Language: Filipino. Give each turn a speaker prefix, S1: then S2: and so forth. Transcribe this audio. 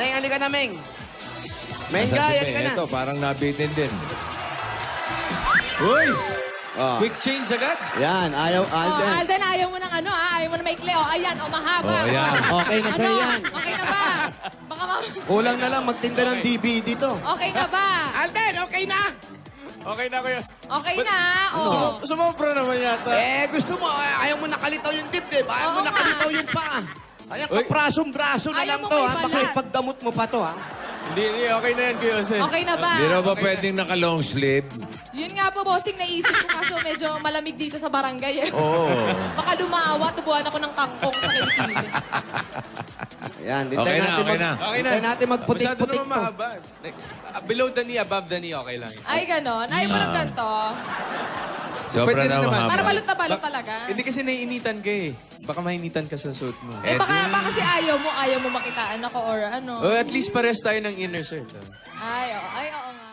S1: Meng, halika na, Meng. Mengay, halika na.
S2: Ito, parang nabitin din. Uy!
S1: Oh.
S2: Quick change agad.
S1: Yan, ayaw,
S3: Oh,
S1: Alden.
S3: Alden, ayaw mo ng ano, Ayaw mo na maikli. Oh, ayan, mahaba.
S2: Oh, ayan.
S1: Okay na sa'yo yan.
S3: Okay na ba? Baka
S1: Kulang na lang magtinda ng DVD to.
S3: Okay na ba?
S1: Alden, okay na!
S2: Okay na kayo.
S3: Okay na. Oh.
S2: Sumobra naman yata.
S1: Gusto mo, ayaw mo nakalitaw yung dibdib. Ayaw mo
S3: Oo nga.
S1: nakalitaw yung paa. Ayan,
S2: Uy.
S1: kaprasong-braso na
S3: Ayaw
S1: lang
S3: mo
S1: to,
S3: may
S1: ha? Baka
S3: balat.
S1: ipagdamot mo pa to, ha?
S2: Hindi, okay na yan, Kuya Jose.
S3: Okay na ba?
S2: Hindi na ba pwedeng naka-long sleeve?
S3: Yun nga po, bossing, naisip ko kaso medyo malamig dito sa barangay.
S2: Oo.
S3: Baka lumawa, tubuhan ako ng kangkong sa kilikili.
S1: Ayan,
S2: Okay na, okay na.
S1: hintayin natin
S4: Masyado
S1: magputik-putik
S4: naman
S1: to.
S4: mahaba. Like, below the knee, above the knee, okay lang.
S3: Ay, ganon. Ayaw mo ng ganito.
S2: Sobra
S4: Pwede
S2: na
S4: rin naman.
S2: mahaba.
S3: Para balot na balot talaga.
S4: Hindi kasi naiinitan ka eh. Baka mainitan ka sa suit mo.
S3: Eh, baka kasi ayaw mo makitaan ako or ano.
S4: Oh, at least pares tayo ng inner shirt.
S3: Ay, oo nga.